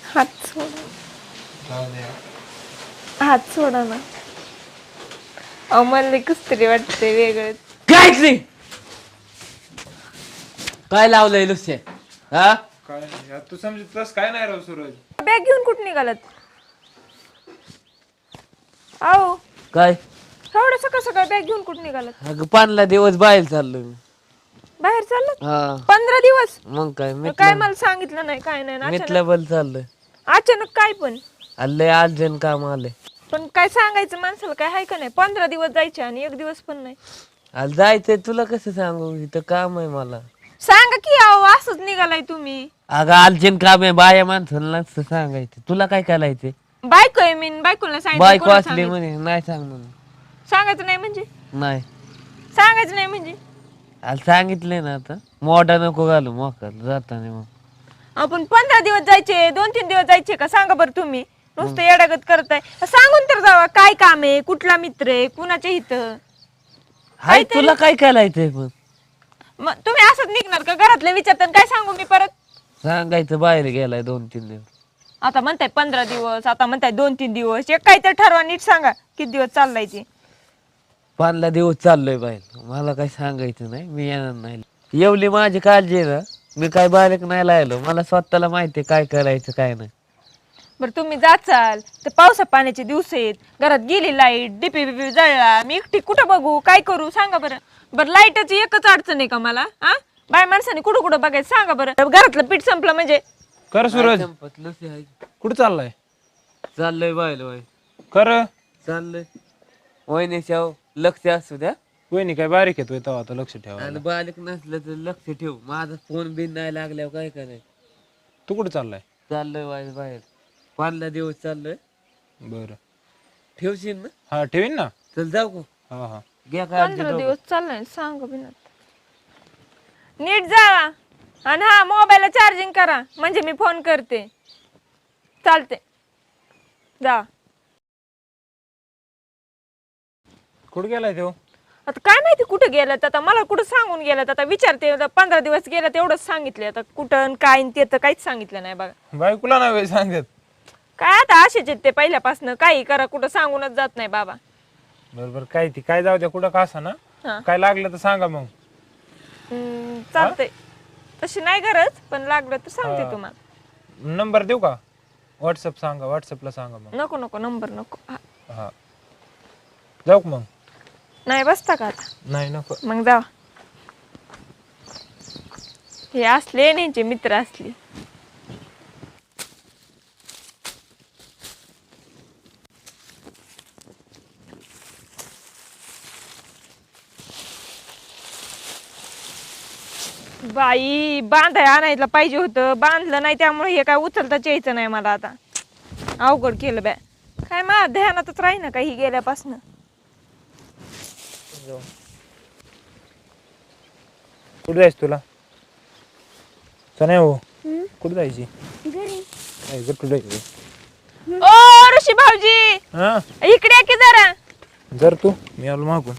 हात सोडा. हात सोडा ना. मला कस तरी वाटतंय वेगळं. काहीच नाही. काय लावलंय लुस्य? हा काय नाही तू समजतस काय नाही राव सूरज. बॅग घेऊन कुठं निघालात? आओ काय? एवढं सकाळ सकाळ बॅग घेऊन कुठं निघालात? अगं 15 दिवस बाहेर चाललोय मी. बाहेर चाललात? हा 15 दिवस? मग काय काय मला सांगितलं नाही, काय नाही. मितला बल चाललोय. अचानक काय पण? आलंय अर्जंट काम आलंय. पण काय सांगायचं माणसाला, काय आहे का नाही? 15 दिवस जायचे आणि एक दिवस पण नाही. आलं जायचंय तुला कसं सांगू, इथं काम आहे मला. सांगा की अहो, असंच निघालाय तुम्ही. अगं अर्जंट काम आहे, बाया माणसाला नसतं सांगायचं. तुला काय करायचंय? बायको आहे मी, बायकोला सांगितलं. बायको कोणाला असली सांगायचं? म्हणे नाही सांग म्हणून. सांगायचं नाही म्हणजे? नाही सांगायचं नाही म्हणजे? आलं सांगितलंय ना आता. मोठा नको घालू मोका जाताना मग. आपण 15 दिवस जायचे, 2-3 दिवस जायचे का? सांगा बरं तुम्ही. नुसतं येडागत करताय. सांगून तर जावा काय काम आहे, कुठला मित्र आहे, कुणाच्या इथं. हाय तुला काय करायचंय पण? मग तुम्ही असंच निघणार का? घरातले विचारतात काय सांगू मी परत? सांगायचं बाहेर गेलाय 2-3 दिवस. आता म्हणताय 15 दिवस, आता म्हणताय 2-3 दिवस. एक काहीतरी ठरवा, नीट सांगा किती दिवस चाललाय ते. 15 दिवस चाललोय बाहेर. मला काही सांगायचं नाही, मी येणार नाही. एवढी माझी काळजी आहे ना, मी काय बारीक नाही लायलो. मला स्वतःला माहिती काय करायचं काय नाही. बरं तुम्ही जाचाल तर पावसा पाण्याचे दिवस आहेत, घरात गेली लाईट, डीपी बिपी जळला, मी एकटी कुठं बघू, काय करू सांगा बरं. बरं लाईटाची एकच अडचण आहे का मला? हा बाय माणसाने कुठं कुठं बघायचं सांगा बरं. घरातलं पीठ संपलं म्हणजे? कर सूरज. संपतलं कुठं चाललाय? चाललंय बाहेर बाहेर. कर. चाललंय वहिनीच्या लक्ष असू द्या. वहिनी काय बारीक येतोय तेव्हा आता लक्ष ठेवा. आणि बालिक नसलं तर लक्ष ठेव. माझा फोन बिन नाही लागल्यावर काय करायचं? तू कुठं चाललाय? चाललोय बाहेर बाहेर. 15 दिवस चाललोय. बरं ठेवशील ना? हा ठेवीन ना. चल जाऊ का? हा हा घ्या काय 15 दिवस चाललाय सांगा बिना. नीट जावा आणि हा मोबाईलला चार्जिंग करा म्हणजे मी फोन करते. चालते जा. कुठं गेलाय तो? आता काय माहिती कुठं गेलात, आता मला कुठं सांगून गेलात. आता विचारते, 15 दिवस गेला तेवढंच सांगितले. आता कुठं काय ते तर काहीच सांगितलं नाही बघा. बायकोला नाही सांगत. काय आता असेच आहेत ते पहिल्यापासून, काही करा कुठं सांगूनच जात नाही बाबा. बरोबर काय ती काय जाऊ द्या कुठं का असा ना. हा. काय लागलं तर सांगा मग. चालतंय, तशी नाही गरज, पण लागलं तर सांगते तुम्हाला. नंबर देऊ का? व्हॉट्सअप सांगा, व्हॉट्सअपला सांगा मग. नको नको नंबर नको. हा जाऊ का मग? नाही बसता का आता? नाही नको. मग जा. हे असले यांचे मित्र असले. बाई बांधाय आणायला पाहिजे होतं, बांधलं नाही त्यामुळे हे काय उचलताच यायचं नाही मला. आता अवघड केलं बॅ. काय मा ध्यानातच राही ना काही गेल्यापासून. कुठे जायचं तुला? नाही हो. कुठे जायची? काय कुठे जायचं? ओ ऋषी भाऊजी हा इकडे या की जरा. जर तू मी आलो मागून.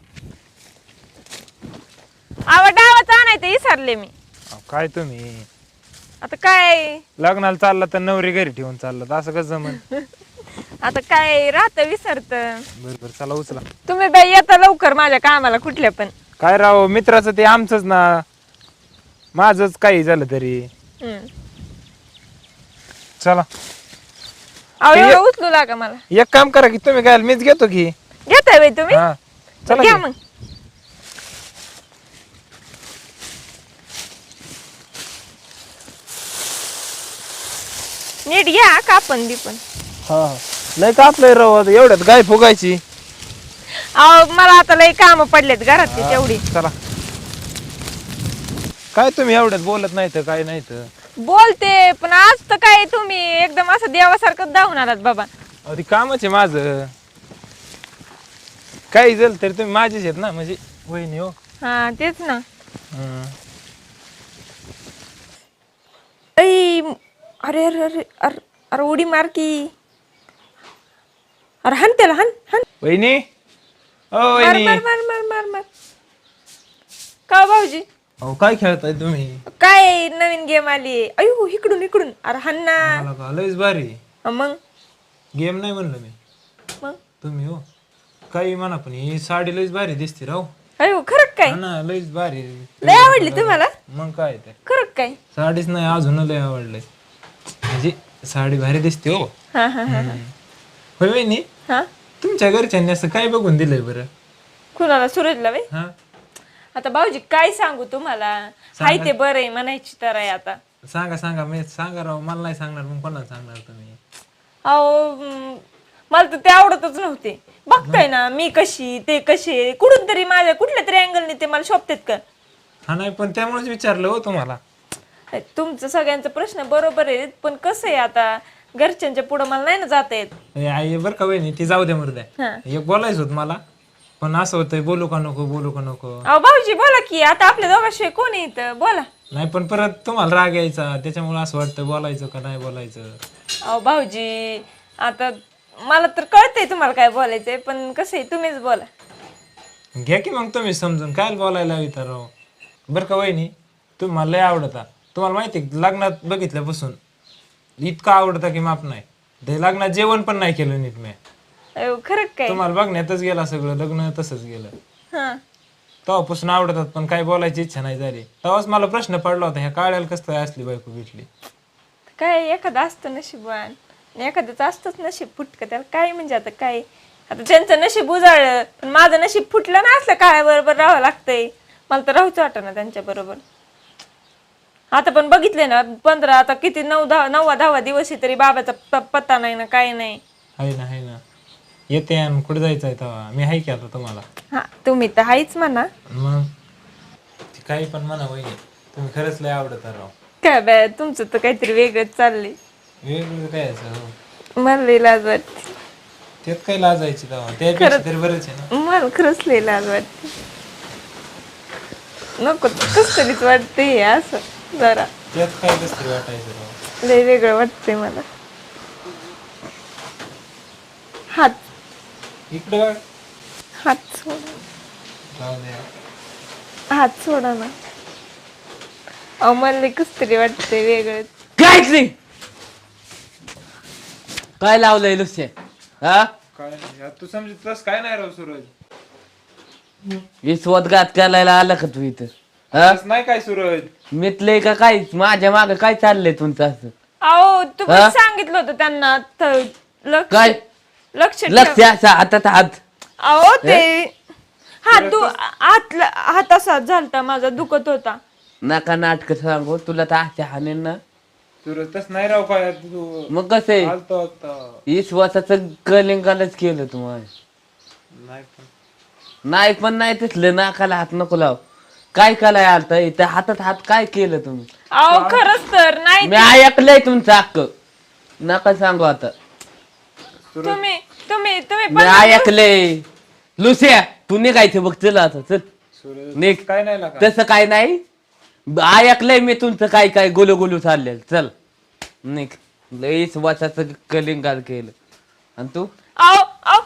डावाचं आणायचं विसरले मी. काय तुम्ही आता काय लग्नाला चालला तर नवरी घरी ठेवून चालला तर असं कसं जमन? आता काय राहत विसरत. बरोबर चला उचला. तुम्ही बाई येता लवकर माझ्या कामाला कुठल्या पण. काय राव मित्राचं ते आमचंच ना, माझंच काही झालं तरी. चला अहो एवढं उचलू लागा मला. एक काम करा की तुम्ही काय मीच घेतो की. घेताय बाई तुम्ही? हा चला घ्या की. मग. नीट घ्या कापण बिपण. हा लय कापलंय राव आता एवढ्यात गाय फुगायची. अहो मला आता लय काम पडलेत घरातली तेवढी. चला काय तुम्ही एवढ्यात बोलत नाही तर काय नाही तर. बोलते पण आज तर काय तुम्ही एकदम असं देवासारखं धावून आलात बाबा. ते कामच आहे माझं. काही झालं तरी तुम्ही माझेच आहेत ना, म्हणजे वहिनी हो. हा तेच ना. हम्म. अरे अरे अरे अरे अरे उडी मार की. अरे हान त्याला हान हान. वहिनी ओ मार वहिनी मार मार मार मार मार. का भाऊजी? अहो काय खेळताय तुम्ही? काय नवीन गेम आली? अयो इकडून इकडून, अरे हन्ना. मला का लयच भारी. मग गेम नाही म्हणलं मी. मग तुम्ही हो काही म्हणा पण ही साडी लयच भारी दिसते राव. अयो खरं काय? हा ना लयच भारी. लय आवडली तुम्हाला? मग काय ते खरं काय? साडीच नाही अजून लय आवडलंय. म्हणजे साडी भारी दिसते हो. हा हा हा होय वहिनी, हा. तुमच्या घरच्यांनी असं काय बघून दिलंय बरं? कुणाला? सूरजला बाई? हा आता भाऊजी काय सांगू तुम्हाला, हाय ते बरं आहे म्हणायची तर आहे आता. सांगा सांगा मी सांगा राव. मला नाही सांगणार मग कोणाला सांगणार तुम्ही? अहो मला तर ते आवडतच नव्हते. बघताय ना मी कशी ते कसे, कुठून तरी माझ्या कुठल्या तरी अँगलने ते मला शोभतेत का? हा नाही पण त्यामुळेच विचारलं हो तुम्हाला. तुमचं सगळ्यांचा प्रश्न बरोबर आहे, पण कसं आहे आता घरच्यांच्या पुढं मला नाही ना जाता येत. ए, आई बरं का वहिनी ती जाऊ द्या मर्द्या. हा. एक बोलायचं होत मला पण असं होतंय बोलू का नको बोलू का नको. अहो भाऊजी बोला की, आता आपल्या दोघांशिवाय कोण आहे इथं? बोला. नाही पण परत तुम्हाला राग यायचा त्याच्यामुळे असं वाटतं बोलायचं का नाही बोलायचं. अहो भाऊजी आता मला तर कळतंय तुम्हाला काय बोलायचंय, पण कसं आहे तुम्हीच बोला. घ्या की मग तुम्ही समजून काय बोलायला विचार राव. बरं का वहिनी तुम्हाला लय आवडता. तुम्हाला माहिती आहे, लग्नात बघितल्यापासून इतका आवडता की माप नाही. ते लग्नात जेवण पण नाही केलं नीट मी. अहो खरं काय? तुम्हाला बघण्यातच गेला सगळं, लग्न तसंच गेलं. हा. तेव्हापासून आवडतात पण काही बोलायची इच्छा नाही झाली. तेव्हाच मला प्रश्न पडला होता, ह्या काळ्याला कसं काय असली बायको भेटली. काय एखादं असतं नशीबवान, एखाद्याचं असतंच नशीब फुटकं, त्याला काय म्हणजे आता काय. आता त्यांचं नशीब उजाळलं पण माझं नशीब फुटलं ना, असलं काळ्या बरोबर राहावं लागतंय. मला तर राहूच वाटत ना त्यांच्या बरोबर. आता पण बघितले ना 15 आता किती 9-10 दिवस आहे तरी बाबाचा पत्ता नाही ना काय नाही. आहे ना येते आणि कुठे जायचं आहे तेव्हा मी आहे की आता तुम्हाला. हा तुम्ही तर हायच म्हणा. मग ती काही पण म्हणा वहिनी तुम्ही खरंच लय आवडत राव. काय बाय तुमचं तर काहीतरी वेगळंच चाललंय. वेगवेगळं काय असं हो. मला लई लाज वाटते. त्यात काही लाजायची तेव्हा त्यापेक्षा तरी बरंच आहे ना. मला खरंच लई लाज वाटते. नको कस तरीच वाटते हे असं जरा. त्यात काय कसं तरी वाटायचं राव. लय वेगळं वाटतंय मला. हात इकडे बघ. हात सोडा. जाऊ द्या. हात सोडा ना. अहो मला लय कस तरी वाटतंय वेगळं. काहीच नाही. काय लावलंय लुसे? हा काय नाही तू समजत तस काय नाही राव सूरज. विश्वासघात करायला आला का तू इथं? हा तसं नाही काय सूरज. मितलंय का काय? माझ्या माग काय चाललंय तुमचं असं? अहो तुम्ही सांगितलं होतं त्यांना लक्ष काय लक्ष ठेव. लक्ष असं हातात हात. अहो ते हात असा झालता माझा दुखत होता. नका नाटक सांगू तुला तर आजच्या हाणेन ना. सूरज तस नाही राव काय तू. मग कसं आहे आलतो आता. विश्वासाचं कलिंगालच केलं तुम्हाला. नाही पण नाही पण नाही तिथलं नाकाला हात नको लाव. काय कराय आलता इथं हातात हात काय केलं तुम्ही? अहो खरंच तर नाही. मी ऐकलंय तुमचं हक्क. नका सांगू आता. तुम्ही तुम्ही तुम्ही मी ऐकलंय. लुसिया तू निघायचं बघ चल आता चल सूरज निघ. काय नाही लागा. तसं काय नाही. ऐकलंय मी तुमचं काय काय गुलू गुलू चाललेलं. चल निघ. लईच वाचाचं कलिंगाल केलं. आणि तू अहो अहो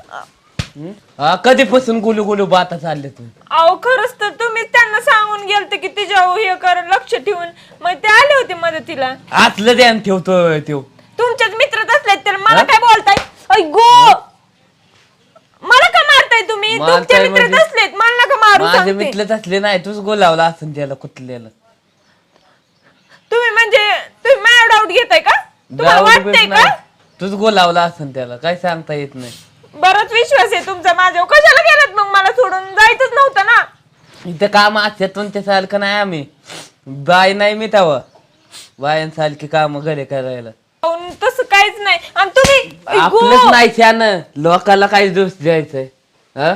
हा कधीपासून गुलू गुलू बाता चालले तुम्ही? अहो खरंच तर तुम्ही त्यांना सांगून गेलते की तिच्या हे कर लक्ष ठेवून, मग ते आले होते मदतीला. असलं ध्यान ठेवतोय तो. तुमच्याच मित्रच असले तर मला काय बोलताय? गो मला का मारताय तुम्ही? मारताय तुमचे मित्रच म्हणजे? असलेत मला नका मारू माझे सांगते. मिटलंच असले नाही तूच गोलावला असं त्याला कुठलेलं. तुम्ही म्हणजे तुम्ही माझ्या डाऊट घेताय का? तुम्हाला वाटतंय का? तूच गोलावला असं त्याला काय सांगता येत नाही. बराच विश्वास आहे तुमचा माझ्यावर. कशाला गेलात मग? मला सोडून जायचंच नव्हतं ना. इथं काम असतात तुमच्या सारखं नाही आम्ही. बाय नाही मी तेव्हा बायांसारखी काम घरे करायला. अहो, तसं काहीच नाही. आणि तुम्ही आपलंच नाही छान लोकाला काय दोष द्यायचंय? हा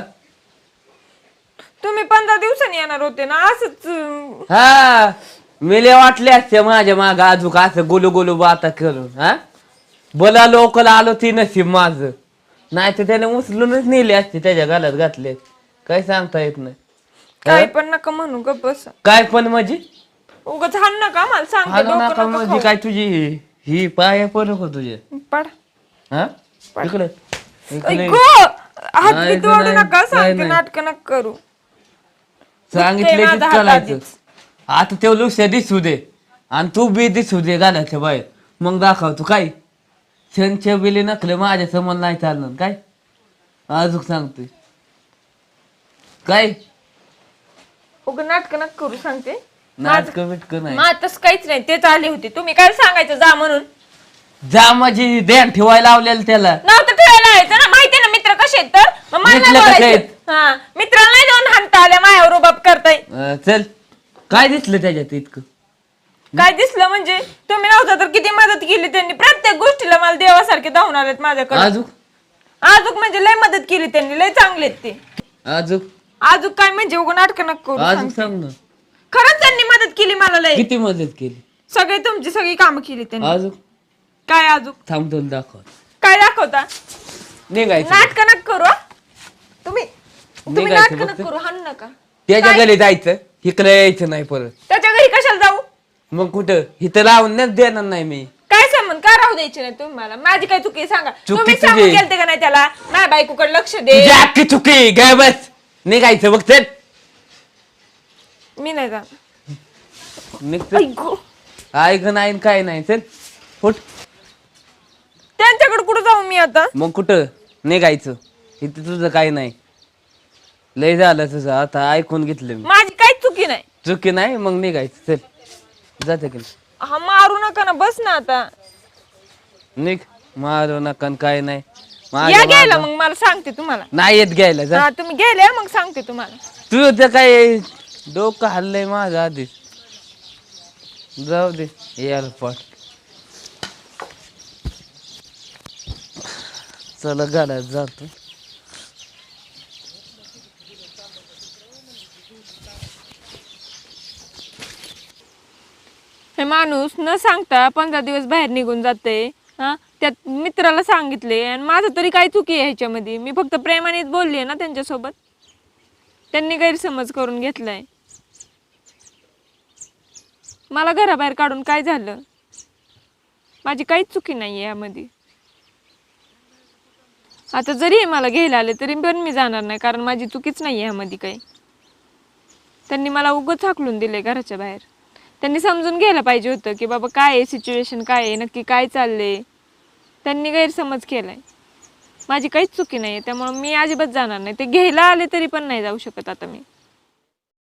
तुम्ही 15 दिवसांनी येणार होते ना असंच. हा मेले वाटले असते माझ्या माग अजून असं गोलू गोलू बाता करून. हा बोला लोकला आलो ती नशीब माझं. नाही तर त्याने उचलूनच नेले असते त्याच्या गालात घातले. काय सांगता येत नाही. काय पण नका म्हणू ग बस. काय पण म्हणजे उगाच हाण नका मला सांगते. हाणू डोकं नका नका म्हणजे काय तुझी ही पाया पडक हो तुझे. खाऊ. पड. हा इकडे इकडे गो हात नाही, बीत ओढू नाही, नका नाही, सांगते. नाही. नाटक नका करू. सांगितले माझा की हात करायचं. आधीच. आता ते लक्ष दिसू दे आणि तू बी दिसू दे घालायच्या बाहेर, मग दाखवतो काय छनच्या बिले नकले माझ्या समोर नाही चालणार काय. अजून सांगतोय काय उग नाटक नक करू सांगते. नाटक बिटक नाही. मग तसं काहीच नाही, तेच आले होते. तुम्ही काय सांगायचं जा म्हणून? जा माझी ध्यान ठेवायला लावलेलं त्याला. नव्हतं ठेवायला यायचं ना, माहिती ना मित्र कसे आहेत तर. मग मला मित्र नाही कसे बोलायचं. आहेत? हा, मित्राला नाही जाऊन हाणता आल्या मायावर रुबाब करताय. चल काय दिसलं त्याच्यात इतकं? काय दिसलं म्हणजे? तुम्ही नव्हता तर किती मदत केली त्यांनी. प्रत्येक गोष्टीला मला देवासारखे धावून आलेत माझ्याकडे. अजून आजूक म्हणजे लय मदत केली त्यांनी, लय चांगले आहेत ते. अजून आजूक काय म्हणजे उगा नाटक नको करू अजून सांगते. सांग ना. खरंच त्यांनी मदत केली मला लय. किती मदत केली? सगळी तुमची सगळी कामं केली त्यांनी. अजून काय आजूक? थांब तुला दाखव. काय दाखवता? निघायचं नाटक नका करू हा. तुम्ही निघायचं नाटक फक्त. नका करू, हाण नका. त्याच्या घरी जायचं, इकडे यायचं नाही परत. त्याच्या घरी कशाला जाऊ? मग कुठं इथं लावून देणार नाही मी. काय संबंध? का राहू द्यायचे नाही तुम्ही मला? माझी काय चुकी आहे सांगा. चुकी तुम्ही तुझी. सांगून गेलते का नाही त्याला माझ्या बायकोकडे लक्ष दे? तुझी अख्खी चुकी काय बस. निघायचं बघ चल. मी नाही जा. निघतो ऐकू ऐक नाही काय नाही चल फुट. त्यांच्याकडे कुठं जाऊ मी आता? मग कुठं निघायचं, इथं तुझं काय नाही. लय झालं तुझं, आता ऐकून घेतलं मी. माझी काहीच चुकी नाही. चुकी नाही मग निघायचं चल. जाते की हा, मारू नका ना, बस ना आता. निघ. मारू नका न काय नाही. या माझ्या घ्यायला मागं- मग मला सांगते तुम्हाला. नाही येत घ्यायला जा. हा, तुम्ही गेले मग सांगते तुम्हाला. तुझं काय डोकं हल्लंय माझं आधीच. जाऊ दे एअरपोर्ट. चला गाड्यात जातो. हे माणूस न सांगता 15 दिवस बाहेर निघून जाते. हा, त्यात मित्राला सांगितले आणि माझं तरी काय चुकी आहे ह्याच्यामध्ये? मी फक्त प्रेमानेच बोलली आहे ना त्यांच्यासोबत. त्यांनी गैरसमज करून घेतलाय. मला घराबाहेर काढून काय झालं? माझी काहीच चुकी नाही आहे यामध्ये. आता जरी हे मला घ्यायला आले तरी पण मी जाणार नाही, कारण माझी चुकीच नाही आहे ह्यामध्ये काही. त्यांनी मला उगाच हाकलून दिले घराच्या बाहेर. त्यांनी समजून घ्यायला पाहिजे होतं की बाबा काय आहे सिच्युएशन, काय आहे नक्की, काय चाललंय. त्यांनी गैरसमज केलाय. माझी काहीच चुकी नाही आहे, त्यामुळे मी अजिबात जाणार नाही. ते घ्यायला आले तरी पण नाही जाऊ शकत आता मी.